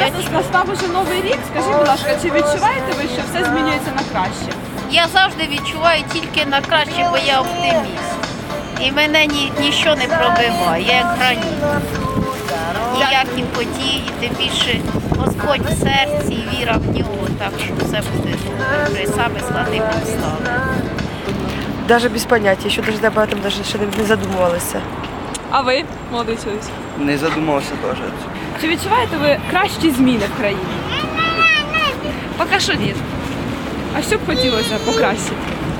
Зараз настав уже новий рік. Скажіть, будь ласка, чи відчуваєте ви, що все змінюється на краще? Я завжди відчуваю тільки на краще, бо я оптиміст. І мене нічого не пробиває, я як граніт. Ніякі події, тим більше Господь в серці і віра в нього, так що все буде добре, при самих складних обставинах. Даже без поняття, еще даже об этом даже ще не задумувалися. А ви, молодий чоловік? Не задумався теж. Чи відчуваєте ви кращі зміни в країні? Поки що ні. А що б хотілося покращити?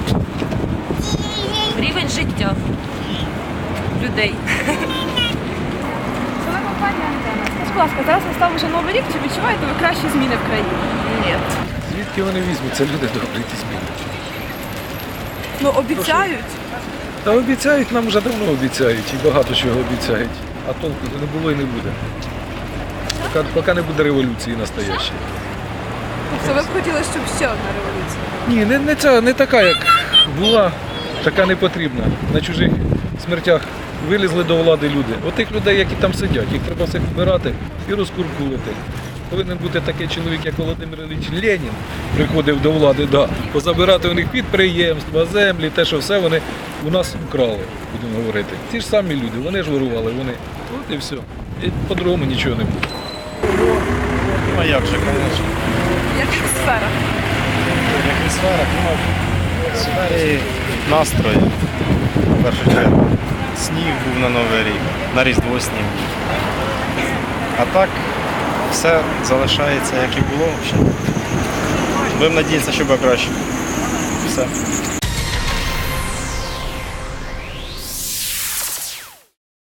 Рівень життя людей. Телекомпанія «Антенна». Скажіть, будь ласка, зараз настав уже новий рік. Чи відчуваєте ви кращі зміни в країні? Ні. Звідки вони візьмуться, люди добрі ті зміни? Ну, обіцяють. Та обіцяють, нам вже давно обіцяють і багато чого обіцяють. А толку не було і не буде. Поки не буде революції настоящої. Тобто ви б хотіли, щоб ще одна революція? Ні, не ця, не така, як була, така не потрібна. На чужих смертях вилізли до влади люди. Отих людей, які там сидять, їх треба всіх вбирати і розкуркулити. Повинен бути такий чоловік, як Володимир Ілліч Ленін, приходив до влади, позабирати у них підприємства, землі, те, що все вони у нас украли, будемо говорити. Ті ж самі люди, вони ж вирували, вони. От і все. І по-другому нічого не буде. Ну, як же, звісно. В яких сферах? Як і сфера, ну, в сфері настрою, в першу чергу. Сніг був на Новий рік, на Різдво сніг. А так, все залишається, як і було. Будемо надіятися, що буде краще. Все.